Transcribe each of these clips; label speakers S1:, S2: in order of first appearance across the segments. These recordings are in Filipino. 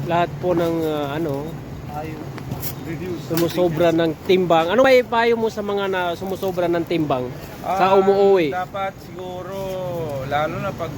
S1: lahat po ng
S2: Tayo. Reduce.
S1: sumusobra ng timbang. Ano may payo mo sa mga na sumusobra ng timbang sa umuuwi?
S2: Dapat siguro, lalo na pag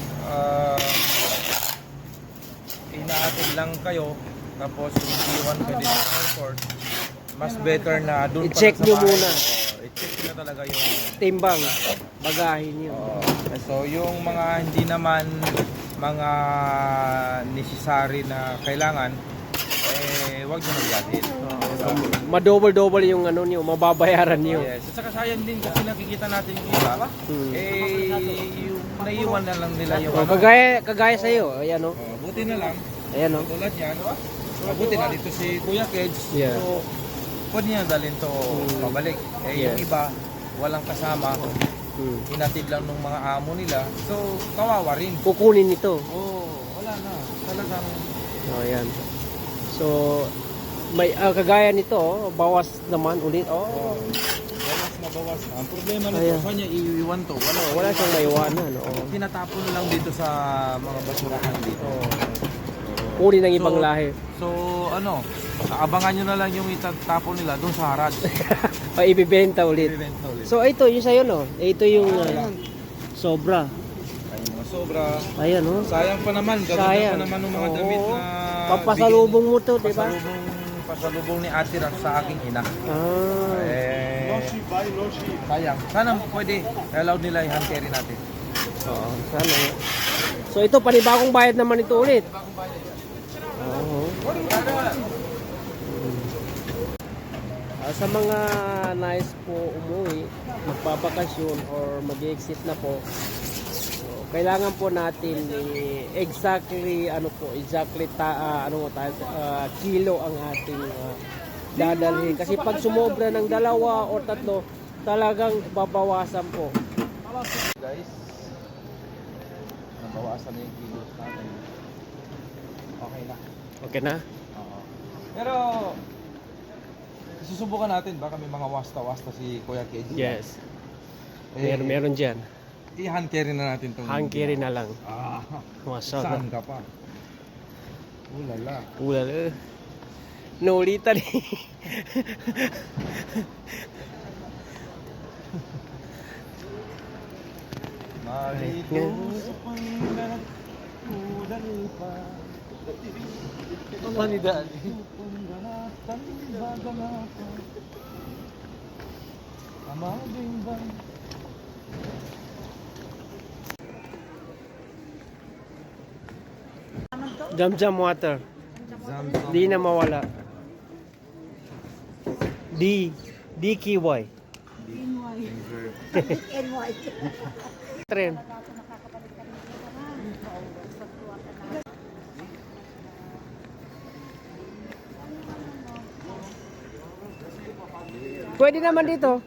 S2: inaatid lang kayo, tapos iwan ka din sa airport, mas better na doon pa
S1: I-check
S2: sa
S1: nyo
S2: bahay.
S1: muna.
S2: I-check nyo talaga yung
S1: Timbang, bagahin nyo.
S2: so yung mga hindi naman mga necessary na kailangan, wag nyo magalit.
S1: Ma-double-double yung ano nyo, mababayaran nyo.
S2: Yes. At saka sayang din kasi nakikita natin yung iba, yung naiiwan na lang nila yung
S1: Kagaya sa iyo, ayan oh.
S2: buti na lang,
S1: Ayan oh.
S2: tulad yan, buti na dito si Kuya Keds,
S1: Yeah.
S2: so pwede niya dalhin to pabalik. Yung iba, walang kasama, hinatid lang ng mga amo nila, so kawawa rin.
S1: Kukunin ito.
S2: Wala na, talagang
S1: Ayan. So, may kagaya nito, bawas naman ulit.
S2: bawas na bawas. Ang problema nito,
S1: Ayan.
S2: saan niya iiwan to?
S1: Wala siyang maiwanan.
S2: Tinatapon lang dito sa mga basurahan dito.
S1: Kunin ng ibang lahi.
S2: So, abangan nyo na lang yung itatapon nila doon sa harad.
S1: O ibibenta ulit.
S2: Ibibenta ulit.
S1: So, ito yung sa'yo, no? Ito yung sobra.
S2: Ay, mga sobra.
S1: Ayan, oh.
S2: Sayang pa naman. Gaganda
S1: Sayang.
S2: pa naman ng mga damit na
S1: Papasalubong mo to, di ba?
S2: Pasalubong ni Ate Ram sa aking ina. Sayang. Sana pwede. Allowed nila i-hand carry natin.
S1: Oo, sana. So, ito, panibagong bayad naman ito ulit. Oo. Sa mga nais po umuwi, magpapakasyon or mag-exit na po, so, kailangan po natin exactly kilo ang ating dadalhin. Kasi pag sumobra ng 2 o 3, talagang babawasan po.
S2: Guys, nabawasan na yung kilos natin. Okay na.
S1: Okay na?
S2: Oo. Pero susubukan natin, baka may mga wasta-wasta si Kuya KG.
S1: Yes. Meron dyan.
S2: I-hand carry na natin itong
S1: Hand carry na lang.
S2: Saan ka pa? Ulala.
S1: Ulala. Naulitan eh.
S2: Marito sa pangalat, udal pa.
S1: Manidaan.
S2: Panggalatan, bagalatan. Amabimbang.
S1: Jam water. Di na mawala. DKY. Tren. Pwede naman dito.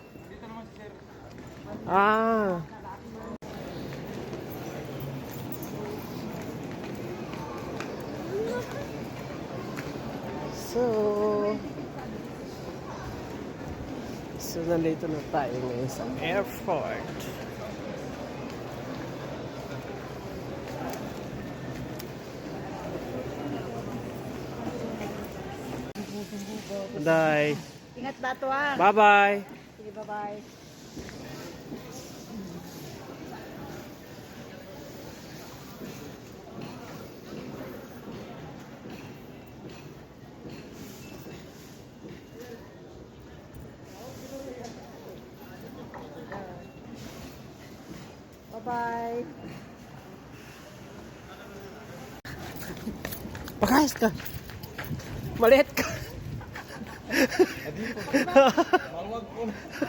S1: So nandito na tayo ngayon sa airport. Bye.
S3: Ingat ba ito ah?
S1: Bye-bye.
S3: Sige, bye-bye. Bye-bye.
S1: Pakayas ka. Maliit ka.
S2: Maluwag po.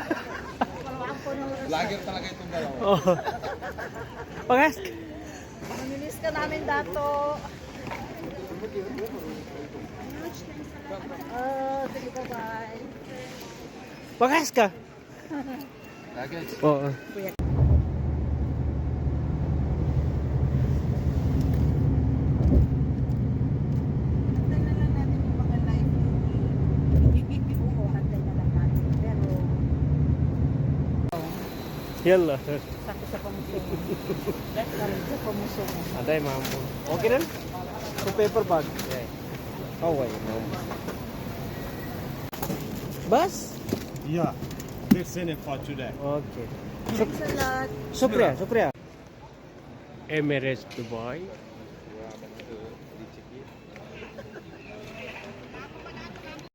S2: Lager talaga itong dalawa.
S1: Pakayas ka.
S3: Mamilis ka namin dato. Sige, bye-bye.
S1: Pakayas ka.
S2: Lager.
S1: Oo. Yalla.
S3: Sakit sa pamusong. Sakit sa pamusong.
S1: Aday, mambo. Okay na? Sa paper bag.
S2: Yeah.
S1: Oh, wait. No. Bus?
S4: Yeah, they're sending it for today.
S1: Okay.
S3: Thanks a lot.
S1: Supriya. Emirates Dubai.